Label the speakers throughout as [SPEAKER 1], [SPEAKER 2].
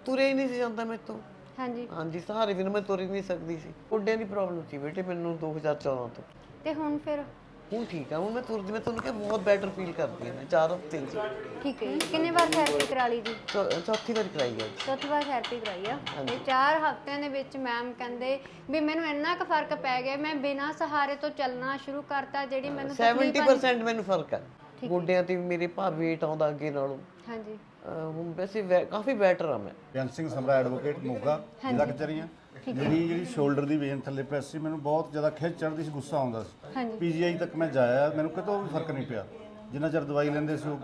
[SPEAKER 1] ਤੁਰਿਆ ਹੀ ਨਹੀਂ ਸੀ ਜਾਂਦਾ ਮੇਰੇ ਤੋਂ।
[SPEAKER 2] ਹਾਂਜੀ
[SPEAKER 1] ਹਾਂਜੀ, ਸਹਾਰੇ ਬਿਨਾਂ ਮੈਂ ਤੁਰ ਹੀ ਨਹੀਂ ਸਕਦੀ ਸੀ। ਗੋਡਿਆਂ ਦੀ ਪ੍ਰੋਬਲਮ ਸੀ ਬੇਟੇ ਮੈਨੂੰ 2014 ਤੋਂ।
[SPEAKER 2] ਤੇ ਹੁਣ ਫਿਰ?
[SPEAKER 1] ਹੁਣ ਠੀਕ ਆ, ਹੁਣ ਮੈਂ ਤੁਰਦੀ, ਮੈਂ ਤੁਹਾਨੂੰ ਕਿਹਾ ਬਹੁਤ ਬੈਟਰ ਫੀਲ ਕਰਦੀ ਹਾਂ ਮੈਂ 4 ਹਫ਼ਤੇ 'ਚ।
[SPEAKER 2] ਠੀਕ ਹੈ ਜੀ। ਕਿੰਨੇ ਵਾਰ ਥੈਰੇਪੀ ਕਰਾ ਲਈ ਜੀ?
[SPEAKER 1] ਚੌਥੀ ਵਾਰ ਕਰਾਈ ਹੈ ਜੀ।
[SPEAKER 2] ਚੌਥੀ ਵਾਰ ਥੈਰੇਪੀ ਕਰਾਈ ਆ ਤੇ 4 ਹਫ਼ਤਿਆਂ ਦੇ ਵਿੱਚ ਮੈਮ ਕਹਿੰਦੇ ਵੀ ਮੈਨੂੰ ਇੰਨਾ ਕੁ ਫਰਕ ਪੈ ਗਿਆ, ਮੈਂ ਬਿਨਾਂ ਸਹਾਰੇ ਤੋਂ ਚੱਲਣਾ ਸ਼ੁਰੂ ਕਰਤਾ। ਜਿਹੜੀ ਮੈਨੂੰ
[SPEAKER 1] 70% ਮੈਨੂੰ ਫਰਕ ਆ ਗੋਡਿਆਂ ਤੇ। ਮੇਰੇ weight ਆਉਂਦਾ ਅੱਗੇ ਨਾਲੋਂ।
[SPEAKER 2] ਹਾਂਜੀ।
[SPEAKER 1] ਹੁਣ ਵੈਸੇ ਕਾਫੀ ਬੈਟਰ ਆ ਮੈਂ।
[SPEAKER 3] ਬੇਅੰਤ ਸਿੰਘ ਸਮਰਾ ਐਡਵੋਕੇਟ ਮੋਗਾ ਜ਼ਿਲ੍ਹਾ ਕਚਹਿਰੀਆਂ। ਮੇਰੀ ਜਿਹੜੀ ਸ਼ੋਲਡਰ ਦੀ ਵੇਨ ਥੱਲੇ ਪ੍ਰੈਸ ਸੀ, ਮੈਨੂੰ ਬਹੁਤ ਜ਼ਿਆਦਾ ਖਿੱਚ ਚੜ੍ਹਦੀ ਸੀ, ਗੁੱਸਾ ਆਉਂਦਾ ਸੀ। ਪੀਜੀਆਈ ਤੱਕ ਮੈਂ ਜਾਇਆ, ਮੈਨੂੰ ਕਿਤੋਂ ਵੀ ਫਰਕ ਨਹੀਂ ਪਿਆ। ਜਿੰਨਾ ਚਿਰ ਦਵਾਈ ਲੈਂਦੇ ਸੀ ਉਹ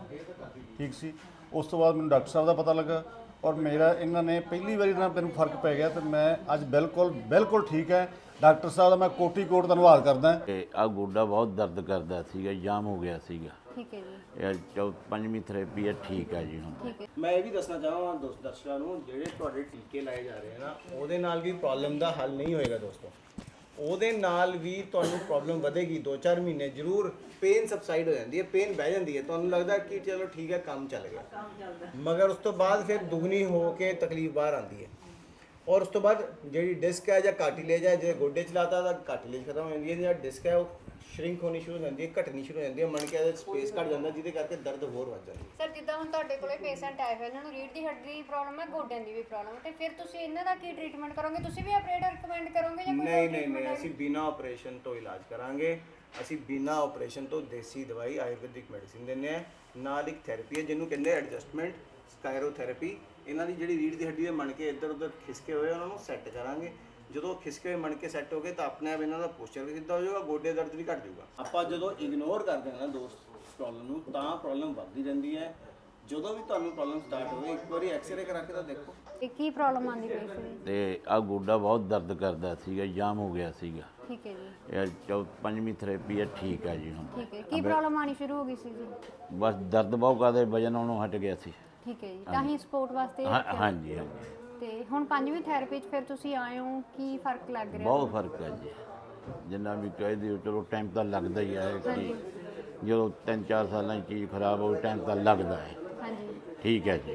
[SPEAKER 3] ਠੀਕ ਸੀ। ਉਸ ਤੋਂ ਬਾਅਦ ਮੈਨੂੰ ਡਾਕਟਰ ਸਾਹਿਬ ਦਾ ਪਤਾ ਲੱਗਾ ਔਰ ਮੇਰਾ ਇਹਨਾਂ ਨੇ ਪਹਿਲੀ ਵਾਰੀ ਨਾਲ ਮੈਨੂੰ ਫਰਕ ਪੈ ਗਿਆ ਤੇ ਮੈਂ ਅੱਜ ਬਿਲਕੁਲ ਠੀਕ ਹੈ। ਡਾਕਟਰ ਸਾਹਿਬ ਦਾ ਮੈਂ ਕੋਟੀ-ਕੋਟ ਧੰਨਵਾਦ ਕਰਦਾ।
[SPEAKER 4] ਆ ਗੋਡਾ ਬਹੁਤ ਦਰਦ ਕਰਦਾ ਸੀਗਾ, ਜਾਮ ਹੋ ਗਿਆ ਸੀਗਾ।
[SPEAKER 2] ਠੀਕ ਹੈ ਜੀ।
[SPEAKER 4] ਇਹ 5ਵੀਂ ਥੈਰੇਪੀ ਹੈ, ਠੀਕ ਹੈ ਜੀ ਹੁਣ।
[SPEAKER 2] ਠੀਕ ਹੈ।
[SPEAKER 5] ਮੈਂ ਇਹ ਵੀ ਦੱਸਣਾ ਚਾਹਾਂਗਾ ਦਰਸ਼ਕਾਂ ਨੂੰ, ਜਿਹੜੇ ਤੁਹਾਡੇ ਟੀਕੇ ਲਾਏ ਜਾ ਰਹੇ ਆ ਨਾ, ਉਹਦੇ ਨਾਲ ਵੀ ਪ੍ਰੋਬਲਮ ਦਾ ਹੱਲ ਨਹੀਂ ਹੋਏਗਾ ਦੋਸਤੋ। ਉਹਦੇ ਨਾਲ ਵੀ ਤੁਹਾਨੂੰ ਪ੍ਰੋਬਲਮ ਵਧੇਗੀ। 2-4 ਮਹੀਨੇ ਜ਼ਰੂਰ ਪੇਨ ਸਬਸਾਈਡ ਹੋ ਜਾਂਦੀ ਹੈ, ਪੇਨ ਬਹਿ ਜਾਂਦੀ ਹੈ, ਤੁਹਾਨੂੰ ਲੱਗਦਾ ਕਿ ਚਲੋ ਠੀਕ ਹੈ ਕੰਮ ਚੱਲ ਗਿਆ, ਮਗਰ ਉਸ ਤੋਂ ਬਾਅਦ ਫਿਰ ਦੁਗਣੀ ਹੋ ਕੇ ਤਕਲੀਫ ਬਾਹਰ ਆਉਂਦੀ ਹੈ। ਔਰ ਉਸ ਤੋਂ ਬਾਅਦ ਜਿਹੜੀ ਡਿਸਕ ਹੈ ਜਾਂ ਕਾਰਟਿਲੇਜ ਹੈ, ਜੇ ਗੋਡੇ ਚਲਾਤਾ ਤਾਂ ਕਾਰਟਿਲੇਜ ਖਤਮ ਹੋ ਜਾਂਦੀ ਹੈ, ਜਾਂ ਡਿਸਕ ਹੈ ਉਹ ਸ਼ਰਿੰਕ ਹੋਣੀ ਸ਼ੁਰੂ ਹੋ ਜਾਂਦੀ ਹੈ, ਘਟਣੀ ਸ਼ੁਰੂ ਹੋ ਜਾਂਦੀ ਹੈ, ਮਣਕੇ ਦਾ ਸਪੇਸ ਘਟ ਜਾਂਦਾ, ਜਿਹਦੇ ਕਰਕੇ ਦਰਦ ਹੋਰ ਵੱਧ ਜਾਂਦੀ ਹੈ।
[SPEAKER 2] ਸਰ ਜਿੱਦਾਂ ਹੁਣ ਤੁਹਾਡੇ ਕੋਲੇ ਪੇਸ਼ੈਂਟ ਆਏ ਹੋਏ, ਇਹਨਾਂ ਨੂੰ ਰੀੜ੍ਹ ਦੀ ਹੱਡੀ ਦੀ ਪ੍ਰੋਬਲਮ ਹੈ, ਗੋਡਿਆਂ ਦੀ ਵੀ ਪ੍ਰੋਬਲਮ ਹੈ, ਤੇ ਫਿਰ ਤੁਸੀਂ ਇਹਨਾਂ ਦਾ ਕੀ ਟ੍ਰੀਟਮੈਂਟ ਕਰੋਗੇ? ਤੁਸੀਂ ਵੀ ਆਪਰੇਟ ਰਿਕਮੈਂਡ ਕਰੋਗੇ ਜਾਂ ਕੋਈ
[SPEAKER 5] ਨਹੀਂ, ਅਸੀਂ ਬਿਨਾਂ ਆਪਰੇਸ਼ਨ ਤੋਂ ਇਲਾਜ ਕਰਾਂਗੇ। ਅਸੀਂ ਬਿਨਾਂ ਆਪਰੇਸ਼ਨ ਤੋਂ ਦੇਸੀ ਦਵਾਈ ਆਯੁਰਵੈਦਿਕ ਮੈਡੀਸਿਨ ਦਿੰਦੇ ਆ। ਨਾਲ ਇੱਕ ਥੈਰੇਪੀ ਹੈ ਜਿਹਨੂੰ ਕਹਿੰਦੇ ਐਡਜਸਟਮੈਂਟ ਸਕਾਇਰੋਥੈਰੇਪੀ। ਇਹਨਾਂ ਦੀ ਜਿਹੜੀ ਰੀੜ੍ਹ ਦੀ ਹੱਡੀ ਦੇ ਮਣਕੇ ਇੱਧਰ ਉੱਧਰ ਖਿਸਕੇ ਹੋਏ ਉਹਨਾਂ ਨੂੰ ਸੈੱਟ ਕਰਾਂਗੇ। ਜਦੋਂ ਖਿਸਕੇ ਹੋਏ ਮਣਕੇ ਸੈੱਟ ਹੋ ਗਏ ਤਾਂ ਆਪਣੇ ਆਪ ਇਹਨਾਂ ਦਾ ਪੋਸਚਰ ਵੀ ਸਿੱਧਾ ਹੋ ਜਾਊਗਾ, ਗੋਡੇ ਦਰਦ ਵੀ ਘਟ ਜਾਊਗਾ। ਆਪਾਂ ਜਦੋਂ ਇਗਨੋਰ ਕਰਦੇ ਹਾਂ ਨਾ ਦੋਸਤ ਪ੍ਰੋਬਲਮ ਨੂੰ, ਤਾਂ ਪ੍ਰੋਬਲਮ ਵੱਧਦੀ ਰਹਿੰਦੀ ਹੈ। ਜਦੋਂ ਵੀ ਤੁਹਾਨੂੰ ਪ੍ਰੋਬਲਮ ਸਟਾਰਟ ਹੋਵੇ, ਇੱਕ ਵਾਰੀ ਐਕਸਰੇ ਕਰਾ ਕੇ ਤਾਂ ਦੇਖੋ
[SPEAKER 2] ਇਹ ਕੀ ਪ੍ਰੋਬਲਮ ਆਉਂਦੀ ਪਈ ਸੀ।
[SPEAKER 4] ਤੇ ਆ ਗੋਡਾ ਬਹੁਤ ਦਰਦ ਕਰਦਾ ਸੀਗਾ, ਜਾਮ ਹੋ ਗਿਆ ਸੀਗਾ।
[SPEAKER 2] ਠੀਕ ਹੈ ਜੀ।
[SPEAKER 4] ਇਹ 5ਵੀਂ ਥੈਰੇਪੀ ਹੈ, ਠੀਕ ਹੈ ਜੀ ਹੁਣ।
[SPEAKER 2] ਠੀਕ ਹੈ। ਕੀ ਪ੍ਰੋਬਲਮ ਆਣੀ ਸ਼ੁਰੂ ਹੋ ਗਈ ਸੀ ਜੀ?
[SPEAKER 4] ਬਸ ਦਰਦ ਬਹੁਤ ਕਰਦੇ, ਵਜਨ ਉਹਨੂੰ ਹਟ ਗਿਆ ਸੀ।
[SPEAKER 2] ਠੀਕ ਹੈ ਜੀ। ਤਾਂ ਹੀ ਸਪੋਰਟ ਵਾਸਤੇ
[SPEAKER 4] ਹਾਂਜੀ।
[SPEAKER 2] ਤੇ ਹੁਣ 5ਵੀਂ ਥੈਰੇਪੀ 'ਚ ਫਿਰ ਤੁਸੀਂ ਆਏ ਹੋ, ਕੀ ਫਰਕ ਲੱਗ ਰਿਹਾ?
[SPEAKER 4] ਬਹੁਤ ਫਰਕ ਹੈ ਜੀ। ਜਿੰਨਾ ਵੀ ਕਹਿ ਦਿਓ, ਚਲੋ ਟਾਈਮ ਤਾਂ ਲੱਗਦਾ ਹੀ ਹੈ ਕਿ ਜਦੋਂ 3-4 ਸਾਲਾਂ 'ਚ ਚੀਜ਼ ਖਰਾਬ ਹੋਵੇ, ਟਾਈਮ ਤਾਂ ਲੱਗਦਾ ਹੈ।
[SPEAKER 2] ਹਾਂਜੀ।
[SPEAKER 4] ਠੀਕ ਹੈ ਜੀ।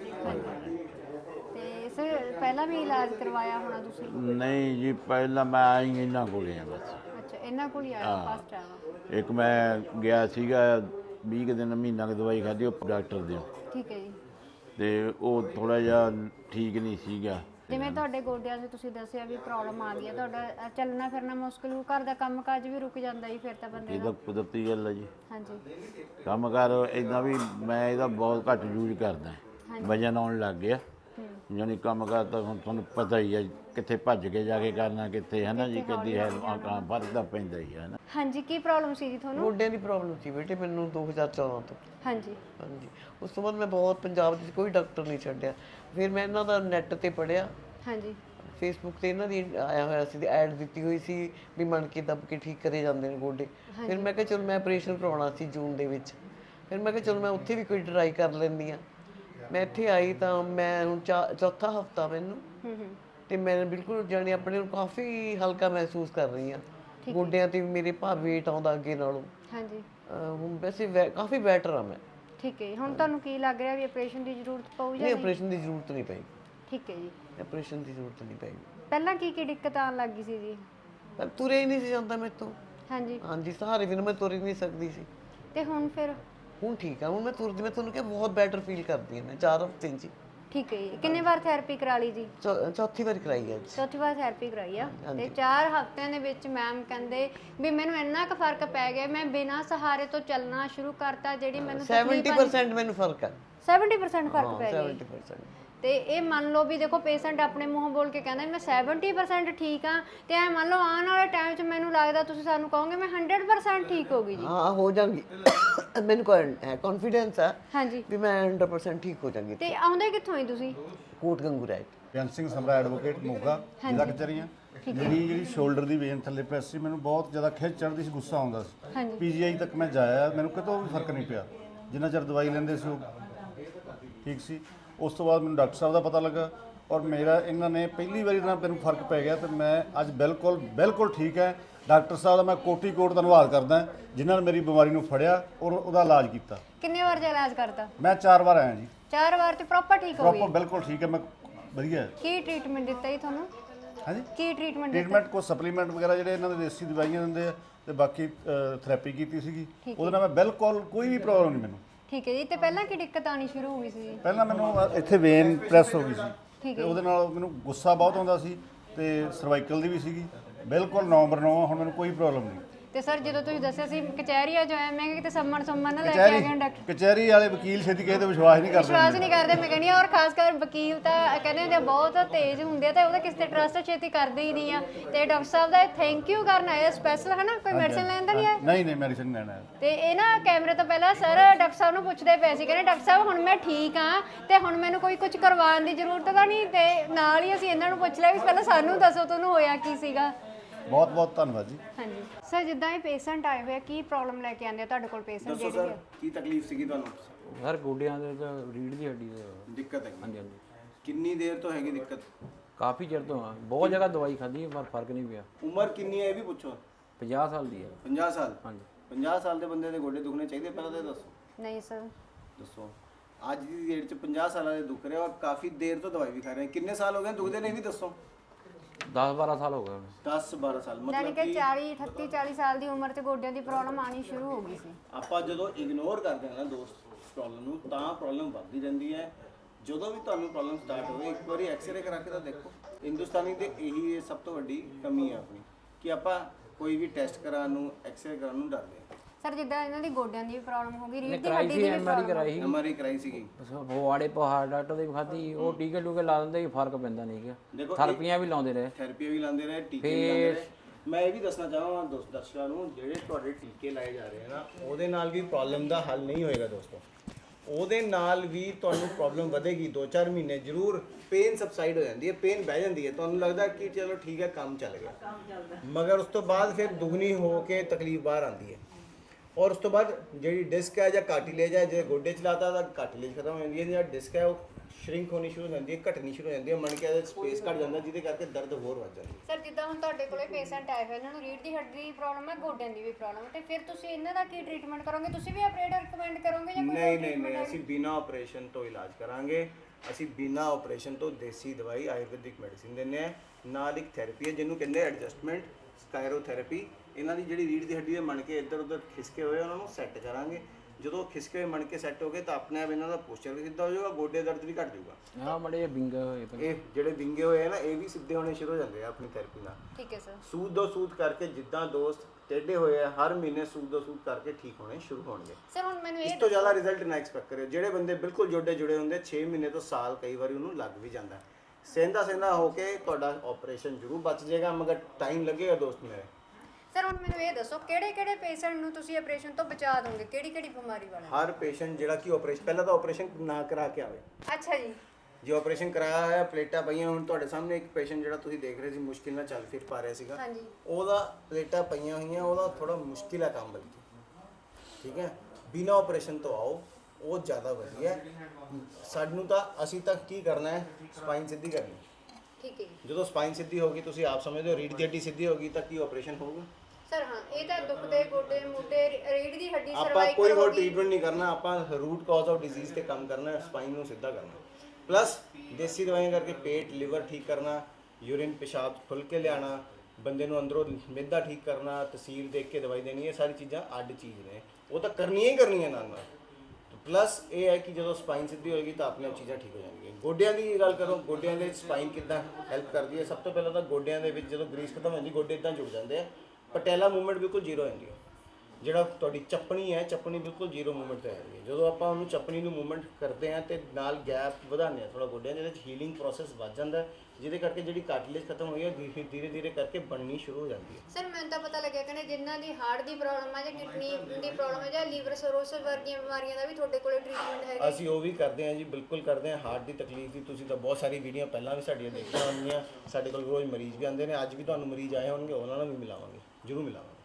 [SPEAKER 2] ਤੇ ਸਰ ਪਹਿਲਾਂ ਵੀ ਇਲਾਜ ਕਰਵਾਇਆ ਹੋਣਾ ਤੁਸੀਂ?
[SPEAKER 4] ਨਹੀਂ ਜੀ, ਪਹਿਲਾਂ ਮੈਂ ਆਈ ਇਹਨਾਂ ਕੋਲੇ ਆ ਬਸ।
[SPEAKER 2] ਅੱਛਾ, ਇਹਨਾਂ ਕੋਲ ਹੀ ਆਇਆ ਫਸਟ ਟਾਈਮ?
[SPEAKER 4] ਇੱਕ ਮੈਂ ਗਿਆ ਸੀਗਾ 20 ਕੁ ਦਿਨ, ਮਹੀਨਾ ਕੁ ਦਵਾਈ ਖਾਧੀ ਉਹ ਡਾਕਟਰ ਦੇ।
[SPEAKER 2] ਠੀਕ ਹੈ ਜੀ।
[SPEAKER 4] ਤੇ ਉਹ ਥੋੜਾ ਜਿਹਾ ਠੀਕ ਨਹੀਂ ਸੀਗਾ।
[SPEAKER 2] ਜਿਵੇਂ ਤੁਹਾਡੇ ਗੋਡਿਆਂ 'ਚ ਤੁਸੀਂ ਦੱਸਿਆ ਵੀ ਪ੍ਰੋਬਲਮ ਆ ਗਈ ਹੈ, ਤੁਹਾਡਾ ਚੱਲਣਾ ਫਿਰਨਾ ਮੁਸ਼ਕਿਲ ਹੋ, ਘਰ ਦਾ ਕੰਮਕਾਜ ਵੀ ਰੁਕ ਜਾਂਦਾ ਜੀ ਫਿਰ ਤਾਂ ਬੰਦੇ
[SPEAKER 4] ਇਹ
[SPEAKER 2] ਦਾ।
[SPEAKER 4] ਤਾਂ ਕੁਦਰਤੀ ਗੱਲ ਹੈ ਜੀ।
[SPEAKER 2] ਹਾਂਜੀ।
[SPEAKER 4] ਕੰਮ ਕਰ ਇੱਦਾਂ ਵੀ ਮੈਂ ਇਹਦਾ ਬਹੁਤ ਘੱਟ ਯੂਜ਼ ਕਰਦਾ, ਵਜਨ ਆਉਣ ਲੱਗ ਗਿਆ। ਯਾਨੀ ਕੰਮ ਕਾਰ ਤਾਂ ਹੁਣ ਤੁਹਾਨੂੰ ਪਤਾ ਹੀ ਹੈ, ਕਿੱਥੇ ਭੱਜ ਕੇ ਜਾ ਕੇ ਕਰਨਾ, ਕਿੱਥੇ ਹੈ ਨਾ ਜੀ, ਕਿੱਦੀ ਹੈ ਫਰਕ ਤਾਂ ਪੈਂਦਾ ਹੀ ਹੈ ਨਾ।
[SPEAKER 2] ਹਾਂਜੀ। ਕੀ ਪ੍ਰੋਬਲਮ ਸੀ ਜੀ ਤੁਹਾਨੂੰ?
[SPEAKER 1] ਗੋਡਿਆਂ ਦੀ ਪ੍ਰੋਬਲਮ ਸੀ ਬੇਟੇ ਮੈਨੂੰ 2014 ਤੋਂ।
[SPEAKER 2] ਹਾਂਜੀ।
[SPEAKER 1] ਉਸ ਤੋਂ ਬਾਅਦ ਮੈਂ ਬਹੁਤ ਪੰਜਾਬ ਦੇ ਕੋਈ ਡਾਕਟਰ ਨਹੀਂ ਛੱਡਿਆ। ਫਿਰ ਮੈਂ ਇਹਨਾਂ ਦਾ ਨੈੱਟ ਤੇ ਪੜ੍ਹਿਆ।
[SPEAKER 2] ਹਾਂਜੀ।
[SPEAKER 1] ਫੇਸਬੁੱਕ ਤੇ ਇਹਨਾਂ ਦੀ ਆਇਆ ਹੋਇਆ ਸੀ, ਐਡ ਦਿੱਤੀ ਹੋਈ ਸੀ ਵੀ ਮਣਕੇ ਦੱਬ ਕੇ ਠੀਕ ਕਰੇ ਜਾਂਦੇ ਨੇ ਗੋਡੇ। ਫਿਰ ਮੈਂ ਕਿਹਾ ਚਲੋ ਮੈਂ ਆਪਰੇਸ਼ਨ ਕਰਵਾਉਣਾ ਸੀ ਜੂਨ ਦੇ ਵਿੱਚ। ਫਿਰ ਮੈਂ ਕਿਹਾ ਚਲੋ ਮੈਂ ਉੱਥੇ ਵੀ ਕੋਈ ਟਰਾਈ ਕਰ ਲੈਂਦੀ ਹਾਂ। ਮੈਂ ਇੱਥੇ ਆਈ ਤਾਂ ਮੈਂ ਹੁਣ ਚੌਥਾ ਹਫ਼ਤਾ ਮੈਨੂੰ, ਤੇ ਮੈਂ ਬਿਲਕੁਲ ਜਾਣੀ ਆਪਣੇ ਨੂੰ ਕਾਫੀ ਹਲਕਾ ਮਹਿਸੂਸ ਕਰ ਰਹੀ ਹਾਂ। ਗੋਡਿਆਂ ਤੇ ਮੇਰੇ weight ਆਉਂਦਾ ਅੱਗੇ ਨਾਲੋਂ।
[SPEAKER 2] ਹਾਂਜੀ।
[SPEAKER 1] ਹੁਣ ਵੈਸੇ ਕਾਫੀ ਬੈਟਰ ਆ ਮੈਂ।
[SPEAKER 2] ਠੀਕ ਹੈ। ਹੁਣ ਤੁਹਾਨੂੰ ਕੀ ਲੱਗ ਰਿਹਾ ਵੀ ਆਪਰੇਸ਼ਨ ਦੀ ਜ਼ਰੂਰਤ ਪਊ ਜਾਂ
[SPEAKER 1] ਨਹੀਂ? ਆਪਰੇਸ਼ਨ ਦੀ ਜ਼ਰੂਰਤ ਨਹੀਂ ਪਈ।
[SPEAKER 2] ਠੀਕ ਹੈ ਜੀ।
[SPEAKER 1] ਆਪਰੇਸ਼ਨ ਦੀ ਜ਼ਰੂਰਤ ਨਹੀਂ ਪਈ।
[SPEAKER 2] ਪਹਿਲਾਂ ਕੀ ਦਿੱਕਤ ਆਉਣ ਲੱਗ ਗਈ ਸੀ ਜੀ?
[SPEAKER 1] ਪਰ ਤੁਰਿਆ ਹੀ ਨਹੀਂ ਸੀ ਜਾਂਦਾ ਮੇਰੇ ਤੋਂ।
[SPEAKER 2] ਹਾਂਜੀ।
[SPEAKER 1] ਸਹਾਰੇ ਬਿਨਾਂ ਮੈਂ ਤੁਰ ਹੀ ਨਹੀਂ ਸਕਦੀ ਸੀ।
[SPEAKER 2] ਤੇ ਹੁਣ ਫਿਰ?
[SPEAKER 1] ਹੁਣ ਠੀਕ ਆ, ਹੁਣ ਮੈਂ ਤੁਰਦੀ, ਮੈਂ ਤੁਹਾਨੂੰ ਕਿਹਾ ਬਹੁਤ ਬੈਟਰ ਫੀਲ ਕਰਦੀ ਹਾਂ ਮੈਂ 4 ਹਫ਼ਤੇ 'ਚ।
[SPEAKER 2] ਠੀਕ ਹੈ ਜੀ। ਕਿੰਨੇ ਵਾਰ ਥੈਰੇਪੀ ਕਰਾ ਲਈ ਜੀ?
[SPEAKER 1] ਚੌਥੀ ਵਾਰ ਕਰਾਈ ਹੈ।
[SPEAKER 2] ਚੌਥੀ ਵਾਰ ਥੈਰੇਪੀ ਕਰਾਈ ਆ ਤੇ 4 ਹਫ਼ਤਿਆਂ ਦੇ ਵਿੱਚ ਮੈਮ ਕਹਿੰਦੇ ਵੀ ਮੈਨੂੰ ਇੰਨਾ ਕੁ ਫਰਕ ਪੈ ਗਿਆ, ਮੈਂ ਬਿਨਾਂ ਸਹਾਰੇ ਤੋਂ ਚੱਲਣਾ ਸ਼ੁਰੂ ਕਰਤਾ। ਜਿਹੜੀ ਮੈਨੂੰ
[SPEAKER 1] 70% ਮੈਨੂੰ ਫਰਕ ਹੈ।
[SPEAKER 2] 70% ਫਰਕ ਪੈ ਗਿਆ।
[SPEAKER 1] 70%।
[SPEAKER 2] ਤੇ ਇਹ ਮੰਨ ਲਓ ਵੀ ਦੇਖੋ ਪੇਸ਼ੈਂਟ ਆਪਣੇ ਮੂੰਹੋਂ ਬੋਲ ਕੇ ਕਹਿੰਦਾ ਮੈਂ 70% ਠੀਕ ਆ, ਤੇ ਐ ਮੰਨ ਲਓ ਆਉਣ ਵਾਲੇ ਟਾਈਮ 'ਚ ਮੈਨੂੰ ਲੱਗਦਾ ਤੁਸੀਂ ਸਾਨੂੰ ਕਹੋਗੇ ਮੈਂ 100% ਠੀਕ ਹੋ ਗਈ ਜੀ।
[SPEAKER 1] ਹਾਂ, ਹੋ ਜਾਵਾਂਗੀ। ਮੈਨੂੰ ਕੌਨਫੀਡੈਂਸ ਆ
[SPEAKER 2] ਹਾਂਜੀ
[SPEAKER 1] ਵੀ ਮੈਂ 100% ਠੀਕ ਹੋ ਜਾਵਾਂਗੀ।
[SPEAKER 2] ਤੇ ਆਉਂਦੇ ਕਿੱਥੋਂ ਹੀ ਤੁਸੀਂ?
[SPEAKER 1] ਕੋਟ ਗੰਗੂ ਰਾਏ।
[SPEAKER 3] ਬੇਅੰਤ ਸਿੰਘ ਸਮਰਾ ਐਡਵੋਕੇਟ ਮੋਗਾ ਜ਼ਿਲ੍ਹਾ ਕਚਹਿਰੀਆਂ। ਮੇਰੀ ਜਿਹੜੀ ਸ਼ੋਲਡਰ ਦੀ ਵੇਨ ਥੱਲੇ ਪ੍ਰੈਸ ਸੀ, ਮੈਨੂੰ ਬਹੁਤ ਜ਼ਿਆਦਾ ਖਿੱਚ ਚੜ੍ਹਦੀ ਸੀ, ਗੁੱਸਾ ਆਉਂਦਾ ਸੀ। ਪੀਜੀਆਈ ਤੱਕ ਮੈਂ ਜਾਇਆ, ਮੈਨੂੰ ਕਿਤੋਂ ਵੀ ਫਰਕ ਨਹੀਂ ਪਿਆ। ਜਿੰਨਾ ਚਿਰ ਦਵਾਈ ਲੈਂਦੇ ਸੀ ਉਹ ਠੀਕ ਸੀ। ਉਸ ਤੋਂ ਬਾਅਦ ਮੈਨੂੰ ਡਾਕਟਰ ਸਾਹਿਬ ਦਾ ਪਤਾ ਲੱਗਾ ਔਰ ਮੇਰਾ ਇਹਨਾਂ ਨੇ ਪਹਿਲੀ ਵਾਰੀ ਨਾਲ ਮੈਨੂੰ ਫਰਕ ਪੈ ਗਿਆ ਤੇ ਮੈਂ ਅੱਜ ਬਿਲਕੁਲ ਠੀਕ ਹੈ। ਡਾਕਟਰ ਸਾਹਿਬ ਦਾ ਮੈਂ ਕੋਟੀ-ਕੋਟ ਧੰਨਵਾਦ ਕਰਦਾ, ਜਿਨ੍ਹਾਂ ਨੇ ਮੇਰੀ ਬਿਮਾਰੀ ਨੂੰ ਫੜਿਆ ਔਰ ਉਹਦਾ ਇਲਾਜ ਕੀਤਾ।
[SPEAKER 2] ਕਿੰਨੇ ਵਾਰ ਇਲਾਜ ਕਰਤਾ?
[SPEAKER 3] ਮੈਂ 4 ਵਾਰ ਆਇਆ ਜੀ।
[SPEAKER 2] 4 ਵਾਰ ਤੇ ਪ੍ਰੋਪਰ ਠੀਕ ਹੋ ਗਈ?
[SPEAKER 3] ਪ੍ਰੋਪਰ ਬਿਲਕੁਲ ਠੀਕ ਹੈ, ਮੈਂ ਵਧੀਆ।
[SPEAKER 2] ਕੀ ਟ੍ਰੀਟਮੈਂਟ ਦਿੱਤਾ ਜੀ ਤੁਹਾਨੂੰ?
[SPEAKER 3] ਹਾਂਜੀ,
[SPEAKER 2] ਕੀ ਟ੍ਰੀਟਮੈਂਟ
[SPEAKER 3] ਟ੍ਰੀਟਮੈਂਟ ਕੋ ਸਪਲੀਮੈਂਟ ਵਗੈਰਾ ਜਿਹੜੇ ਇਹਨਾਂ ਦੇ ਦੇਸੀ ਦਵਾਈਆਂ ਦਿੰਦੇ ਆ, ਤੇ ਬਾਕੀ ਥੈਰੇਪੀ ਕੀਤੀ ਸੀਗੀ, ਉਹਦੇ ਨਾਲ ਮੈਂ ਬਿਲਕੁਲ ਕੋਈ ਵੀ ਪ੍ਰੋਬਲਮ ਨਹੀਂ ਮੈਨੂੰ।
[SPEAKER 2] ਠੀਕ ਹੈ ਜੀ। ਤੇ ਪਹਿਲਾਂ ਕੀ ਦਿੱਕਤ ਆਣੀ ਸ਼ੁਰੂ ਹੋ ਗਈ ਸੀ ਜੀ?
[SPEAKER 3] ਪਹਿਲਾਂ ਮੈਨੂੰ ਇੱਥੇ ਵੇਨ ਪ੍ਰੈਸ ਹੋ ਗਈ ਸੀ, ਤੇ ਉਹਦੇ ਨਾਲ ਮੈਨੂੰ ਗੁੱਸਾ ਬਹੁਤ ਆਉਂਦਾ ਸੀ, ਤੇ ਸਰਵਾਈਕਲ ਦੀ ਵੀ ਸੀਗੀ, ਬਿਲਕੁਲ ਨੰਬਰ 9। ਹੁਣ ਮੈਨੂੰ ਕੋਈ ਪ੍ਰੋਬਲਮ ਨਹੀਂ।
[SPEAKER 2] ਤੇ ਸਰ ਜਦੋਂ ਤੁਸੀਂ ਦੱਸਿਆ ਸੀ ਕਚਹਿਰੀ ਆ ਜੋ ਐ, ਮੈਂ ਕਿਹਾ ਕਿਤੇ ਸੰਮਣ ਨਾ ਲੈ ਕੇ ਆ ਗਏ ਡਾਕਟਰ।
[SPEAKER 3] ਕਚਹਿਰੀ ਵਾਲੇ ਵਕੀਲ ਛੇਤੀ ਕਿਸੇ ਤੇ ਵਿਸ਼ਵਾਸ ਨਹੀਂ ਕਰਦੇ।
[SPEAKER 2] ਵਿਸ਼ਵਾਸ ਨਹੀਂ ਕਰਦੇ, ਮੈਂ ਕਹਿੰਦੀ ਆ। ਔਰ ਖਾਸ ਕਰ ਵਕੀਲ ਤਾਂ ਕਹਿੰਦੇ ਹੁੰਦੇ ਆ ਬਹੁਤ ਤੇਜ਼ ਹੁੰਦੇ ਆ, ਤੇ ਉਹਦਾ ਕਿਸੇ ਤੇ ਟਰਸਟ ਛੇਤੀ ਕਰਦੇ ਹੀ ਨਹੀਂ ਆ। ਤੇ ਡਾਕਟਰ ਸਾਹਿਬ ਦਾ ਥੈਂਕ ਯੂ ਕਰਨ ਆਏ ਸਪੈਸ਼ਲ, ਹਨਾ? ਕੋਈ ਮੈਡੀਸਿਨ ਲੈਣ ਦਾ ਨਹੀਂ ਆਇਆ?
[SPEAKER 3] ਨਹੀਂ ਮੈਡੀਸਿਨ ਲੈਣਾ ਹੈ।
[SPEAKER 2] ਤੇ ਇਹ ਨਾ ਕੈਮਰੇ ਤੋਂ ਪਹਿਲਾਂ ਸਰ ਡਾਕਟਰ ਸਾਹਿਬ ਨੂੰ ਪੁੱਛਦੇ ਪਏ ਸੀ, ਕਹਿੰਦੇ ਡਾਕਟਰ ਸਾਹਿਬ ਹੁਣ ਮੈਂ ਠੀਕ ਆ, ਤੇ ਹੁਣ ਮੈਨੂੰ ਕੋਈ ਕੁਝ ਕਰਵਾਉਣ ਦੀ ਜ਼ਰੂਰਤ ਤਾਂ ਨਹੀਂ? ਤੇ ਨਾਲ ਹੀ ਅਸੀਂ ਇਹਨਾਂ ਨੂੰ ਪੁੱਛ ਲਿਆ ਵੀ ਪਹਿਲਾਂ ਸਾਨੂੰ ਦੱਸੋ ਤੁਹਾਨੂੰ ਹੋਇਆ ਕੀ ਸੀਗਾ।
[SPEAKER 3] ਬਹੁਤ ਬਹੁਤ ਧੰਨਵਾਦ ਜੀ।
[SPEAKER 2] ਹਾਂਜੀ ਸਰ, ਜਿੱਦਾਂ ਇਹ ਪੇਸ਼ੈਂਟ ਆਏ ਹੋਏ ਆ, ਕੀ ਪ੍ਰੋਬਲਮ ਲੈ ਕੇ ਆਉਂਦੇ ਆ ਤੁਹਾਡੇ ਕੋਲ ਪੇਸ਼ੈਂਟ
[SPEAKER 5] ਦੱਸੋ
[SPEAKER 2] ਜਿਹੜੇ
[SPEAKER 5] ਸਰ, ਕੀ ਤਕਲੀਫ ਸੀਗੀ ਤੁਹਾਨੂੰ?
[SPEAKER 6] ਸਰ ਗੋਡਿਆਂ ਦੇ ਤਾਂ ਰੀੜ੍ਹ ਦੀ ਹੱਡੀ ਦੇ
[SPEAKER 5] ਦਿੱਕਤ ਹੈਗੀ?
[SPEAKER 6] ਹਾਂਜੀ ਹਾਂਜੀ
[SPEAKER 5] ਕਿੰਨੀ ਦੇਰ ਤੋਂ ਹੈਗੀ ਦਿੱਕਤ?
[SPEAKER 6] ਕਾਫੀ ਚਿਰ ਤੋਂ ਆ, ਬਹੁਤ ਜਗ੍ਹਾ ਦਵਾਈ ਖਾਧੀ ਪਰ ਫਰਕ ਨਹੀਂ ਪਿਆ।
[SPEAKER 5] ਉਮਰ ਕਿੰਨੀ ਹੈ ਇਹ ਵੀ ਪੁੱਛੋ।
[SPEAKER 6] 50 ਸਾਲ ਦੀ ਹੈ।
[SPEAKER 5] 50 ਸਾਲ?
[SPEAKER 6] ਹਾਂਜੀ।
[SPEAKER 5] 50 ਸਾਲ ਦੇ ਬੰਦੇ ਦੇ ਗੋਡੇ ਦੁਖਣੇ ਚਾਹੀਦੇ? ਪਹਿਲਾਂ ਤਾਂ ਇਹ ਦੱਸੋ।
[SPEAKER 2] ਨਹੀਂ ਸਰ।
[SPEAKER 5] ਦੱਸੋ, ਅੱਜ ਦੀ ਡੇਟ 'ਚ 50 ਸਾਲਾਂ ਦੇ ਦੁਖ ਰਹੇ ਔਰ ਕਾਫੀ ਦੇਰ ਤੋਂ ਦਵਾਈ ਵੀ ਖਾ ਰਹੇ, ਕਿੰਨੇ ਸਾਲ ਹੋ ਗਏ ਦੁਖਦੇ ਨੇ? ਇਹ ਵੀ ਦੱਸੋ।
[SPEAKER 6] 10-12 ਸਾਲ ਹੋ ਗਏ ਹੁਣ।
[SPEAKER 5] 10-12 ਸਾਲ
[SPEAKER 2] ਯਾਨੀ
[SPEAKER 5] ਮਤਲਬ
[SPEAKER 2] ਕਿ
[SPEAKER 5] ਕਿ
[SPEAKER 2] 40 ਸਾਲ ਦੀ ਉਮਰ 'ਚ ਗੋਡਿਆਂ ਦੀ ਪ੍ਰੋਬਲਮ ਆਣੀ ਸ਼ੁਰੂ ਹੋ ਗਈ ਸੀ।
[SPEAKER 5] ਆਪਾਂ ਜਦੋਂ ਇਗਨੋਰ ਕਰਦੇ ਹਾਂ ਨਾ ਦੋਸਤ ਪ੍ਰੋਬਲਮ ਨੂੰ, ਤਾਂ ਪ੍ਰੋਬਲਮ ਵੱਧਦੀ ਰਹਿੰਦੀ ਹੈ। ਜਦੋਂ ਵੀ ਤੁਹਾਨੂੰ ਪ੍ਰੋਬਲਮ ਸਟਾਰਟ ਹੋਵੇ, ਇੱਕ ਵਾਰੀ ਐਕਸਰੇ ਕਰਾ ਕੇ ਤਾਂ ਦੇਖੋ। ਹਿੰਦੁਸਤਾਨੀ ਦੇ ਇਹੀ ਸਭ ਤੋਂ ਵੱਡੀ ਕਮੀ ਹੈ ਆਪਣੀ, ਕਿ ਆਪਾਂ ਕੋਈ ਵੀ ਟੈਸਟ ਕਰਾਉਣ ਨੂੰ, ਐਕਸਰੇ ਕਰਾਉਣ ਨੂੰ ਡਰਦੇ ਹਾਂ।
[SPEAKER 2] ਸਰ ਜਿੱਦਾਂ ਇਹਨਾਂ ਦੀ ਗੋਡਿਆਂ ਦੀ ਵੀ ਪ੍ਰੋਬਲਮ ਹੋ ਗਈ, ਰੀੜ੍ਹ ਦੀ
[SPEAKER 6] ਕਰਾਈ
[SPEAKER 2] ਹੱਡੀ
[SPEAKER 6] ਸੀ,
[SPEAKER 2] ਦੀ ਵੀ
[SPEAKER 6] ਐਮਆਰਆਈ ਕਰਾਈ ਸੀ।
[SPEAKER 5] ਐਮਆਰਆਈ ਕਰਾਈ ਸੀਗੀ।
[SPEAKER 6] ਫਗਵਾੜੇ ਪਹਾੜ ਡਾਕਟਰ ਦੇ ਵੀ ਖਾਧੀ, ਉਹ ਟੀਕੇ ਟੂਕੇ ਲਾ ਦਿੰਦੇ, ਫਰਕ ਪੈਂਦਾ ਨਹੀਂ ਗਿਆ।
[SPEAKER 5] ਦੇਖੋ
[SPEAKER 6] ਥੈਰੇਪੀਆਂ ਵੀ ਲਾਉਂਦੇ ਰਹੇ।
[SPEAKER 5] ਥੈਰੇਪੀ ਵੀ ਲਾਉਂਦੇ ਰਹੇ, ਟੀਕੇ ਵੀ ਲਾਉਂਦੇ ਰਹੇ। ਮੈਂ ਇਹ ਵੀ ਦੱਸਣਾ ਚਾਹਾਂਗਾ ਦਰਸ਼ਕਾਂ ਨੂੰ, ਜਿਹੜੇ ਤੁਹਾਡੇ ਟੀਕੇ ਲਾਏ ਜਾ ਰਹੇ ਆ ਨਾ, ਉਹਦੇ ਨਾਲ ਵੀ ਪ੍ਰੋਬਲਮ ਦਾ ਹੱਲ ਨਹੀਂ ਹੋਏਗਾ ਦੋਸਤੋ। ਉਹਦੇ ਨਾਲ ਵੀ ਤੁਹਾਨੂੰ ਪ੍ਰੋਬਲਮ ਵਧੇਗੀ। 2-4 ਮਹੀਨੇ ਜ਼ਰੂਰ ਪੇਨ ਸਬਸਾਈਡ ਹੋ ਜਾਂਦੀ ਹੈ, ਪੇਨ ਬਹਿ ਜਾਂਦੀ ਹੈ, ਤੁਹਾਨੂੰ ਲੱਗਦਾ ਕਿ ਚਲੋ ਠੀਕ ਹੈ ਕੰਮ ਚੱਲ ਗਿਆ, ਮਗਰ ਉਸ ਤੋਂ ਬਾਅਦ ਫਿਰ ਦੁਗਣੀ ਹੋ ਕੇ ਤਕਲੀਫ ਬਾਹਰ ਆਉਂਦੀ ਹੈ। ਔਰ ਉਸ ਤੋਂ ਬਾਅਦ ਜਿਹੜੀ ਡਿਸਕ ਹੈ ਜਾਂ ਕਾਰਟਿਲੇਜ ਹੈ, ਜੇ ਗੋਡੇ 'ਚ ਲਾਤਾ ਤਾਂ ਕਾਰਟਿਲੇਜ ਖਤਮ ਹੋ ਜਾਂਦੀ ਹੈ, ਜਿਹੜਾ ਡਿਸਕ ਹੈ ਉਹ ਸ਼ਰਿੰਕ ਹੋਣੀ ਸ਼ੁਰੂ ਹੋ ਜਾਂਦੀ ਹੈ, ਘਟਣੀ ਸ਼ੁਰੂ ਹੋ ਜਾਂਦੀ ਹੈ, ਮਣ ਕੇ ਇਹਦੇ ਸਪੇਸ ਘਟ ਜਾਂਦਾ, ਜਿਹਦੇ ਕਰਕੇ ਦਰਦ ਹੋਰ ਵੱਧ ਜਾਂਦੀ ਹੈ।
[SPEAKER 2] ਸਰ ਜਿੱਦਾਂ ਹੁਣ ਤੁਹਾਡੇ ਕੋਲੇ ਪੇਸ਼ੈਂਟ ਆਏ ਹੋਏ, ਇਹਨਾਂ ਨੂੰ ਰੀੜ੍ਹ ਦੀ ਹੱਡੀ ਦੀ ਪ੍ਰੋਬਲਮ ਹੈ, ਗੋਡਿਆਂ ਦੀ ਵੀ ਪ੍ਰੋਬਲਮ ਹੈ, ਤੇ ਫਿਰ ਤੁਸੀਂ ਇਹਨਾਂ ਦਾ ਕੀ ਟ੍ਰੀਟਮੈਂਟ ਕਰੋਗੇ? ਤੁਸੀਂ ਵੀ ਆਪਰੇਟ ਰਿਕਮੈਂਡ ਕਰੋਗੇ ਜਾਂ ਕੋਈ
[SPEAKER 5] ਨਹੀਂ, ਅਸੀਂ ਬਿਨਾ ਆਪਰੇਸ਼ਨ ਤੋਂ ਇਲਾਜ ਕਰਾਂਗੇ। ਅਸੀਂ ਬਿਨਾ ਆਪਰੇਸ਼ਨ ਤੋਂ ਦੇਸੀ ਦਵਾਈ, ਆਯੁਰਵੈਦਿਕ ਮੈਡੀਸਿਨ ਦਿੰਦੇ ਆ, ਨਾਲ ਇੱਕ ਥੈਰੇਪੀ ਹੈ ਜਿਹਨੂੰ ਕਹਿੰਦੇ ਐਡਜਸਟਮੈਂਟ ਸਕਾਇਰੋਥੈਰੇਪੀ। ਇਹਨਾਂ ਦੀ ਜਿਹੜੀ ਰੀੜ੍ਹ ਦੀ ਹੱਡੀ ਦੇ ਮਣਕੇ ਇੱਧਰ ਉੱਧਰ ਖਿਸਕੇ ਹੋਏ, ਉਹਨਾਂ ਨੂੰ ਸੈੱਟ ਕਰਾਂਗੇ। ਜਦੋਂ ਖਿਸਕੇ ਹੋਏ ਮਣਕੇ ਸੈੱਟ ਹੋ ਗਏ ਤਾਂ ਆਪਣੇ ਆਪ ਇਹਨਾਂ ਦਾ ਪੋਸਚਰ ਵੀ ਸਿੱਧਾ ਹੋ ਜਾਊਗਾ, ਗੋਡੇ ਦਰਦ ਵੀ ਘਟ ਜਾਊਗਾ।
[SPEAKER 6] ਹਾਂ ਮੜੇ ਵਿੰਗੇ ਹੋਏ ਪਏ।
[SPEAKER 5] ਇਹ ਜਿਹੜੇ ਵਿੰਗੇ ਹੋਏ ਆ ਨਾ, ਇਹ ਵੀ ਸਿੱਧੇ ਹੋਣੇ ਸ਼ੁਰੂ ਹੋ ਜਾਂਦੇ ਆ ਆਪਣੀ ਥੈਰੇਪੀ ਨਾਲ।
[SPEAKER 2] ਠੀਕ ਹੈ ਸਰ।
[SPEAKER 5] ਸੂਦ ਦੋ ਸੂਦ ਕਰਕੇ, ਜਿੱਦਾਂ ਦੋਸਤ ਟੇਢੇ ਹੋਏ ਆ, ਹਰ ਮਹੀਨੇ ਸੂਦ ਦੋ ਸੂਦ ਕਰਕੇ ਠੀਕ ਹੋਣੇ ਸ਼ੁਰੂ ਹੋਣਗੇ।
[SPEAKER 2] ਸਰ ਹੁਣ ਮੈਨੂੰ
[SPEAKER 5] ਇਸ ਤੋਂ ਜ਼ਿਆਦਾ ਰਿਜ਼ਲਟ ਨਾ ਐਕਸਪੈਕਟ ਕਰਿਓ। ਜਿਹੜੇ ਬੰਦੇ ਬਿਲਕੁਲ ਜੋੜੇ ਜੁੜੇ ਹੁੰਦੇ, 6 ਮਹੀਨੇ ਤੋਂ ਸਾਲ ਕਈ ਵਾਰੀ ਉਹਨੂੰ ਲੱਗ ਵੀ ਜਾਂਦਾ। ਸਹਿੰਦਾ ਹੋ ਕੇ ਤੁਹਾਡਾ ਆਪਰੇਸ਼ਨ ਜ਼ਰੂਰ ਬਚ ਜਾਏਗਾ, ਮਗਰ ਟਾਈਮ ਲੱਗੇਗਾ ਦੋਸਤ ਮੇਰੇ।
[SPEAKER 2] ਸਰ ਹੁਣ ਮੈਨੂੰ ਇਹ ਦੱਸੋ, ਕਿਹੜੇ ਪੇਸ਼ੈਂਟ ਨੂੰ ਤੁਸੀਂ ਆਪਰੇਸ਼ਨ ਤੋਂ ਬਚਾ ਦੋਗੇ? ਕਿਹੜੀ ਬਿਮਾਰੀ ਵਾਲੇ?
[SPEAKER 5] ਹਰ ਪੇਸ਼ੈਂਟ ਜਿਹੜਾ ਕਿ ਆਪਰੇਸ਼ਨ, ਪਹਿਲਾਂ ਤਾਂ ਆਪਰੇਸ਼ਨ ਨਾ ਕਰਾ ਕੇ ਆਵੇ।
[SPEAKER 2] ਅੱਛਾ ਜੀ।
[SPEAKER 5] ਜੇ ਆਪਰੇਸ਼ਨ ਕਰਾਇਆ ਹੈ, ਪਲੇਟਾਂ ਪਈਆਂ, ਹੁਣ ਤੁਹਾਡੇ ਸਾਹਮਣੇ ਇੱਕ ਪੇਸ਼ੈਂਟ ਜਿਹੜਾ ਤੁਸੀਂ ਦੇਖ ਰਹੇ ਸੀ, ਮੁਸ਼ਕਿਲ ਨਾਲ ਚੱਲ ਫਿਰ ਪਾ ਰਿਹਾ ਸੀਗਾ,
[SPEAKER 2] ਹਾਂਜੀ।
[SPEAKER 5] ਉਹਦਾ ਪਲੇਟਾਂ ਪਈਆਂ ਹੋਈਆਂ, ਉਹਦਾ ਥੋੜਾ ਮੁਸ਼ਕਿਲ ਹੈ ਕੰਮ, ਬਲਕਿ ਠੀਕ ਹੈ। ਬਿਨਾ ਆਪਰੇਸ਼ਨ ਤੋਂ ਆਓ, ਉਹ ਜ਼ਿਆਦਾ ਵਧੀਆ। ਸਾਨੂੰ ਤਾਂ ਅਸੀਂ ਤਾਂ ਕੀ ਕਰਨਾ ਹੈ, ਸਪਾਈਨ ਸਿੱਧੀ ਕਰਨੀ।
[SPEAKER 2] ਠੀਕ ਹੈ ਜੀ।
[SPEAKER 5] ਜਦੋਂ ਸਪਾਈਨ ਸਿੱਧੀ ਹੋਗੀ, ਤੁਸੀਂ ਆਪ ਸਮਝਦੇ ਹੋ ਰੀੜ੍ਹ ਦੀ ਹੱਡੀ ਸਿੱਧੀ ਹੋਗੀ ਤਾਂ ਕੀ ਆਪਰੇਸ਼ਨ ਹੋਊਗਾ?
[SPEAKER 2] ਸਰ ਹਾਂ, ਇਹ ਤਾਂ ਦੁਖਦੇ ਗੋਡੇ ਮੋਢੇ ਰੀੜ੍ਹ ਦੀ ਹੱਡੀ
[SPEAKER 5] ਆਪਾਂ
[SPEAKER 2] ਸਰਵਾਈਕਲ
[SPEAKER 5] ਕੋਈ ਹੋਰ ਟ੍ਰੀਟਮੈਂਟ ਨਹੀਂ ਕਰਨਾ, ਆਪਾਂ ਰੂਟ ਕਾਜ਼ ਆਫ ਡਿਜ਼ੀਜ਼ ਤੇ ਕੰਮ ਕਰਨਾ, ਸਪਾਈਨ ਨੂੰ ਸਿੱਧਾ ਕਰਨਾ। ਪਲੱਸ ਦੇਸੀ ਦਵਾਈਆਂ ਕਰਕੇ ਪੇਟ ਲਿਵਰ ਠੀਕ ਕਰਨਾ, ਯੂਰਿਨ ਪਿਸ਼ਾਬ ਖੁੱਲ ਕੇ ਲਿਆਣਾ, ਬੰਦੇ ਨੂੰ ਅੰਦਰੋਂ ਮਿਹਦਾ ਠੀਕ ਕਰਨਾ, ਤਸੀਰ ਦੇਖ ਕੇ ਦਵਾਈ ਦੇਣੀ, ਇਹ ਸਾਰੀ ਚੀਜ਼ਾਂ ਅੱਡ ਚੀਜ਼ ਨੇ, ਉਹ ਤਾਂ ਕਰਨੀਆਂ ਹੀ ਕਰਨੀਆਂ ਨਾਲ। ਪਲੱਸ ਇਹ ਹੈ ਕਿ ਜਦੋਂ ਸਪਾਈਨ ਸਿੱਧੀ ਹੋਏਗੀ ਤਾਂ ਆਪਣੇ ਆਪ ਚੀਜ਼ਾਂ ਠੀਕ ਹੋ ਜਾਣਗੀਆਂ। ਗੋਡਿਆਂ ਦੀ ਗੱਲ ਕਰੋ, ਗੋਡਿਆਂ ਦੇ ਸਪਾਈਨ ਕਿੱਦਾਂ ਹੈਲਪ ਕਰਦੀ ਹੈ? ਸਭ ਤੋਂ ਪਹਿਲਾਂ ਤਾਂ ਗੋਡਿਆਂ ਦੇ ਵਿੱਚ ਜਦੋਂ ਗਰੀਸ ਖਤਮ ਹੋ ਜਾਂਦੀ, ਗੋਡੇ ਇਦਾਂ ਜੁੜ ਜਾਂਦੇ ਆ, ਪਟੈਲਾ ਮੂਵਮੈਂਟ ਬਿਲਕੁਲ ਜ਼ੀਰੋ ਹੋ ਜਾਂਦੀ ਹੈ। ਜਿਹੜਾ ਤੁਹਾਡੀ ਚੱਪਣੀ ਹੈ, ਚੱਪਣੀ ਬਿਲਕੁਲ ਜ਼ੀਰੋ ਮੂਵਮੈਂਟ ਤੇ ਆ ਜਾਂਦੀ ਹੈ। ਜਦੋਂ ਆਪਾਂ ਉਹਨੂੰ ਚੱਪਣੀ ਨੂੰ ਮੂਵਮੈਂਟ ਕਰਦੇ ਹਾਂ ਤੇ ਨਾਲ ਗੈਪ ਵਧਾਉਂਦੇ ਹਾਂ ਥੋੜਾ ਗੋਡਿਆਂ ਦੇ ਵਿੱਚ, ਹੀਲਿੰਗ ਪ੍ਰੋਸੈਸ ਵੱਧ ਜਾਂਦਾ, ਜਿਹਦੇ ਕਰਕੇ ਜਿਹੜੀ ਕਾਰਟਿਲੇਜ ਖਤਮ ਹੋਈ ਹੈ ਧੀਰੇ ਕਰਕੇ ਬਣਨੀ ਸ਼ੁਰੂ ਹੋ ਜਾਂਦੀ ਹੈ।
[SPEAKER 2] ਸਰ ਮੈਨੂੰ ਤਾਂ ਪਤਾ ਲੱਗਿਆ ਕਿ ਜਿਨ੍ਹਾਂ ਦੀ ਹਾਰਟ ਦੀ ਪ੍ਰੋਬਲਮ ਹੈ ਜਾਂ ਕਿਡਨੀ ਦੀ ਪ੍ਰੋਬਲਮ ਹੈ ਜਾਂ ਲੀਵਰ ਸਰੋਸਿਸ ਵਰਗੀਆਂ ਬਿਮਾਰੀਆਂ ਦਾ ਵੀ ਤੁਹਾਡੇ ਕੋਲੇ ਟ੍ਰੀਟਮੈਂਟ ਹੈਗਾ?
[SPEAKER 5] ਅਸੀਂ ਉਹ ਵੀ ਕਰਦੇ ਹਾਂ ਜੀ, ਬਿਲਕੁਲ ਕਰਦੇ ਹਾਂ। ਹਾਰਟ ਦੀ ਤਕਲੀਫ ਦੀ ਤੁਸੀਂ ਤਾਂ ਬਹੁਤ ਸਾਰੀ ਵੀਡੀਓ ਪਹਿਲਾਂ ਵੀ ਸਾਡੀਆਂ ਦੇਖੀਆਂ ਹੋਣਗੀਆਂ। ਸਾਡੇ ਕੋਲ ਰੋਜ਼ ਮਰੀਜ਼ ਵੀ ਆਉਂਦੇ ਨੇ, ਅੱਜ ਵੀ ਤੁਹਾਨੂੰ ਮਰੀਜ਼ ਆਏ ਹੋਣਗੇ, ਉਹਨਾਂ ਨੂੰ ਵੀ ਮਿਲਾਵਾਂਗੇ, ਜ਼ਰੂਰ ਮਿਲਾਵਾਂਗੇ।